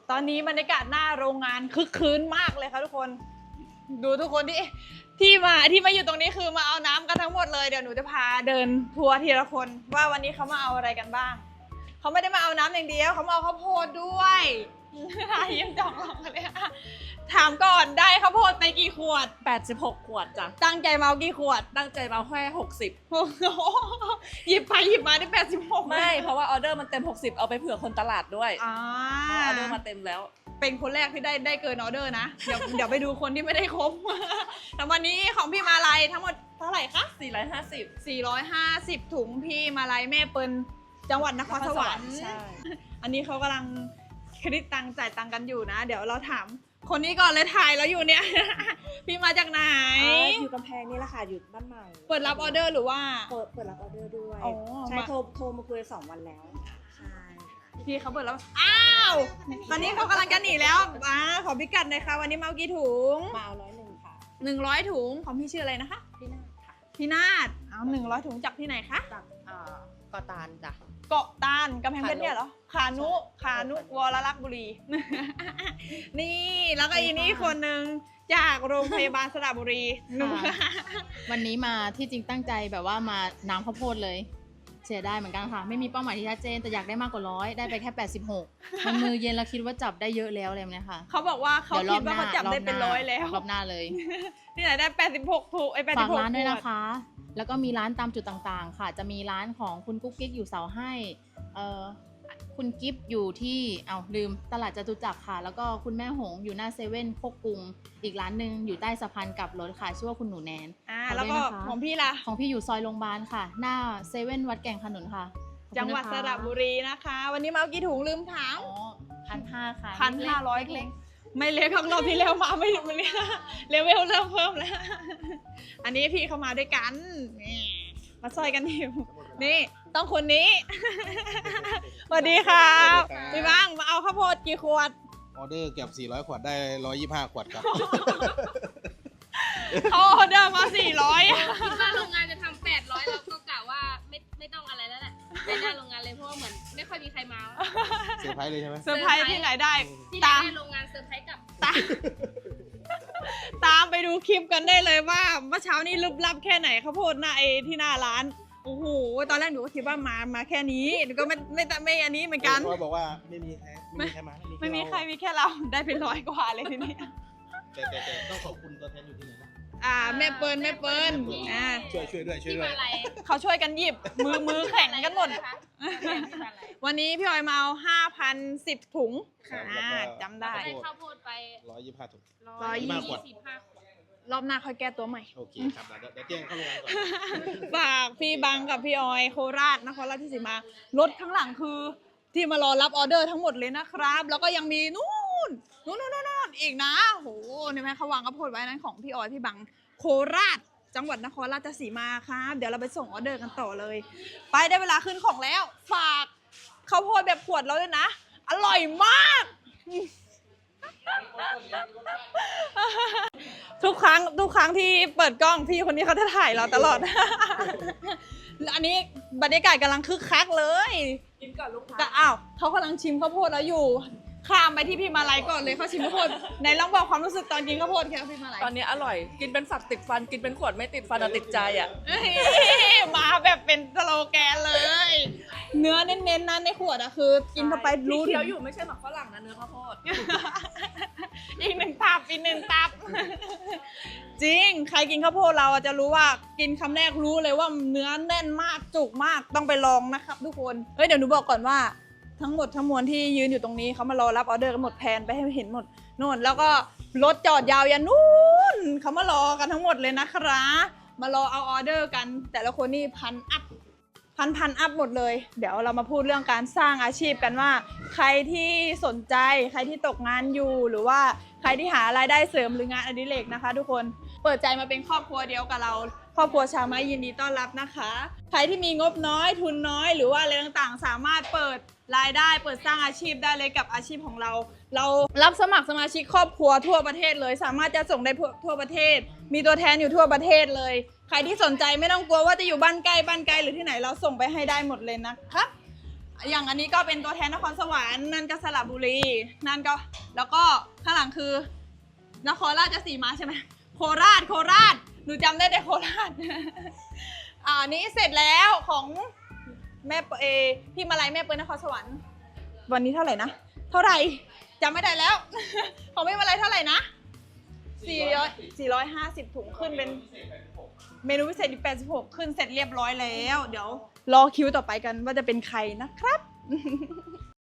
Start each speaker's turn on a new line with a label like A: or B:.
A: ตอนนี้บรรยากาศหน้าโรงงานคึกคืนมากเลยค่ะทุกคนดูทุกคนที่มาอยู่ตรงนี้คือมาเอาน้ำกันทั้งหมดเลยเดี๋ยวหนูจะพาเดินทัวร์ทีละคนว่าวันนี้เขามาเอาอะไรกันบ้างเขาไม่ได้มาเอาน้ำอย่างเดียวเขามาเอาข้าวโพดด้วยยังจองลองกันเลยถามก่อนได้ข้าวโพดไปกี่ขวด
B: 86 ขวดจ้ะ
A: ตั้งใจมาเอากี่ขวด
B: ตั้งใจมาแค่60
A: หยิบไปหยิบมาได้86
B: ไม่เพราะว่าออเดอร์มันเต็ม60เอาไปเผื่อคนตลาดด้วยออเดอร์มาเต็มแล้ว
A: เป็นคนแรกที่ได้เกินออเดอร์นะเดี๋ยวไปดูคนที่ไม่ได้ครบแต่วันนี้ของพี่มาลัยทั้งหมดเท่าไหร่คะ450ถุงพี่มาลัยแม่เปิลจังหวัดนครสวรรค์อันนี้เขากำลังคิดตังจ่ายตังกันอยู่นะเดี๋ยวเราถามคนนี้ก่อนเลยถ่ายแล้วอยู่เนี่ยพี่มาจากไหน
C: อยู่กำแพงนี่แหละค่ะอยู่บ้านใหม่
A: เปิดรับออเดอร์หรือว่า
C: เปิดรับออเดอร์ด้วยใช่โทรมาคุย2 วันแล้วใช่
A: พี่เขาเปิดแล้วอ้าวตอนนี้เขากำลังจะหนีแล้วขอพิกัดหน่อยค่ะวันนี้มากี่ถุง
C: มาเอา101ค่ะ
A: 100ถุงของพี่ชื่ออะไรนะคะ
C: พี่นาฏค่ะ
A: พี่นาฏเอา100ถุงจากที่ไหนคะ
C: จากเกาะตาลจ้ะ
A: เกาะตาลกำแพงเพชรเนี่ยเหรอขานุวรลักษณ์บุรีนี่แล้วก็อีนี่คนหนึ่งจากโรงพยาบาลสระบุรี
D: วันนี้มาที่จริงตั้งใจแบบว่ามาน้ำข้าวโพดเลยเสียได้เหมือนกันค่ะไม่มีเป้าหมายที่ชัดเจนแต่อยากได้มากกว่า100ได้ไปแค่86มันมือเย็นแล้วคิดว่าจับได้เยอะแล้วอะไรแบบนี้ค่ะ
A: เขาบอกว่าเขาคิดว่าเขาจับได้เป็น100แล้ว
D: รอบหน้าเลย
A: ที่ไหนได้86ถุง86
D: ฝากร้านด้วยนะคะแล้วก็มีร้านตามจุดต่างๆค่ะจะมีร้านของคุณกุ๊กกิ๊กอยู่เสาให้คุณกิฟต์อยู่ที่ลืมตลาดจตุจักรค่ะแล้วก็คุณแม่หงอยู่หน้าเซเว่นโคกกรุงอีกร้านหนึ่งอยู่ใต้สะพานกลับรถค่ะชื่อว่าคุณหนูแนน
A: แล้วก็ของพี่ล่ะ
D: ของพี่อยู่ซอยโรงพยาบาลค่ะหน้าเซเว่นวัดแก่งขนุนค่ะ
A: จังหวัดสระบุรีนะคะวันนี้มาเอากี่ถุงลืมถาม
D: 1,500ค่ะ
A: 1,500เล็กไม่เล็กของเราที่แล้วมาไม่ถึงวันนี้เลเวลเริ่มเพิ่มแล้วอันนี้พี่เข้ามาด้วยกันมาซอยกันอยู่นี่ต้องคนนี้สวัสดีครับพี่บ้างมาเอาข้าวโพดกี่ขวด
E: ออเดอร์เกือบ400 ขวดได้125 ขวดครับ
A: เขาออเดอร์มา400
F: คิดว่าโรงงานจะทำ800เราก็กะว่าไม่ต้องอะไรแล้วแหละไปหน้าโรงงานเลยเพราะว่าเหมือนไม่ค่อยมีใครมา
E: เซอร์ไพรส์เลยใช่ไหม
A: เซอร์ไพรส์ที่ไหนได้
F: ที่ไหนได้โรงงานเซอร์ไพรส์กับ
A: ตามไปดูคลิปกันได้เลยว่าเมื่อเช้านี้ลึกลับแค่ไหนข้าวโพดหน้าที่หน้าร้านโอ้โหตอนแรกหนูก็คิดว่ามาแค่นี้หนูก็ไม่อันนี้เหมือนกัน
E: เขาบอกว่าไม่มีใครมา
A: ไม่มีใครมีแค่เราได้เป็น100 กว่าเลยทีนี้
E: แต่ต้องขอบคุณตัวแทนอยู่ที่ไหนนะ
A: แม่เปิล
E: ช่วยด้วย
A: เขาช่วยกันหยิบมือแข็งกันหมดวันนี้พี่ออยมาเอา 5,010 ถุงจำได้
F: ข้าวโพดไป
E: 125 ถุง
F: 125 ขวด
A: รอบหน้าค่อยแก้ตัวใหม่
E: โอเคครับเดี๋ยวแจ้งเข้าโรงงานก่อน
A: ฝากพี่บังกับพี่ออยโคราชนครราชสีมารถข้างหลังคือที่มารอรับออเดอร์ทั้งหมดเลยนะครับแล้วก็ยังมีนู่นอีกนะโหนี่ไหมเขาวางกระโพดไว้นั้นของพี่ออยพี่บังโคราชจังหวัดนครราชสีมาครับเดี๋ยวเราไปส่งออเดอร์กันต่อเลยไปได้เวลาขึ้นของแล้วฝากข้าวโพดแบบขวดแล้วด้วยนะอร่อยมากทุกครั้งที่เปิดกล้องพี่คนนี้เขาจะถ่ายเราตลอดอันนี้บรรยากาศกำลังคึกคักเลย
C: กินก่อนลูกค้า
A: แต่เขากำลังชิมข้าวโพดแล้วอยู่ข้ามไปที่พี่มาลัยก่อนเลยเขาชิมข้าวโพดในลองบอกความรู้สึกตอนกินข้าวโพดแค่พี่มาลัย
B: ตอนนี้อร่อยกินเป็นฝักติดฟันกินเป็นขวดไม่ติดฟันติดใจ
A: มาแบบเป็นสโลแกนเลยเนื้อเน้นๆนั้นในขวดคือกินเข้าไปรู้
B: เคี้ยวอยู่ไม่ใช่หมักฝรั่งนะเนื้อข้าวโพด
A: อีกหนึ่งตับจริงใครกินข้าวโพดเราจะรู้ว่ากินคำแรกรู้เลยว่าเนื้อแน่นมากจุกมากต้องไปลองนะครับทุกคนเดี๋ยวหนูบอกก่อนว่าทั้งหมดทั้งมวลที่ยืนอยู่ตรงนี้เขามารอรับออเดอร์กันหมดแพนไปให้เห็นหมดนู่นแล้วก็รถจอดยาวยันนู่นเขามารอกันทั้งหมดเลยนะครับมารอเอาออเดอร์กันแต่ละคนนี่พันอัพหมดเลยเดี๋ยวเรามาพูดเรื่องการสร้างอาชีพกันว่าใครที่สนใจใครที่ตกงานอยู่หรือว่าใครที่หารายได้เสริมหรืองานอดิเรกนะคะทุกคนเปิดใจมาเป็นครอบครัวเดียวกับเราครอบครัวชาวไม้ยินดีต้อนรับนะคะใครที่มีงบน้อยทุนน้อยหรือว่าอะไรต่างๆสามารถเปิดรายได้เปิดสร้างอาชีพได้เลยกับอาชีพของเรารับสมัครสมาชิกครอบครัวทั่วประเทศเลยสามารถจะส่งได้ทั่วประเทศมีตัวแทนอยู่ทั่วประเทศเลยใครที่สนใจไม่ต้องกลัวว่าจะอยู่บ้านใกล้หรือที่ไหนเราส่งไปให้ได้หมดเลยนะครับอย่างอันนี้ก็เป็นตัวแทนนครสวรรค์นั่นก็สระบุรีนั่นก็แล้วก็ข้างหลังคือนครราชสีมาใช่ไหมโคราชหนูจำได้แต่โคราช อันนี้เสร็จแล้วของแม่พี่มาลัยแม่เปิ้ลนครสวรรค์วันนี้เท่าไหร่นะเท่าไหร่จำไม่ได้แล้ว ของพี่มาลัยเท่าไหร่นะ450ถุงขึ้นเป็นเมนูพิเศษอีก86ขึ้นเสร็จเรียบร้อยแล้วเดี๋ยวรอคิวต่อไปกันว่าจะเป็นใครนะครับ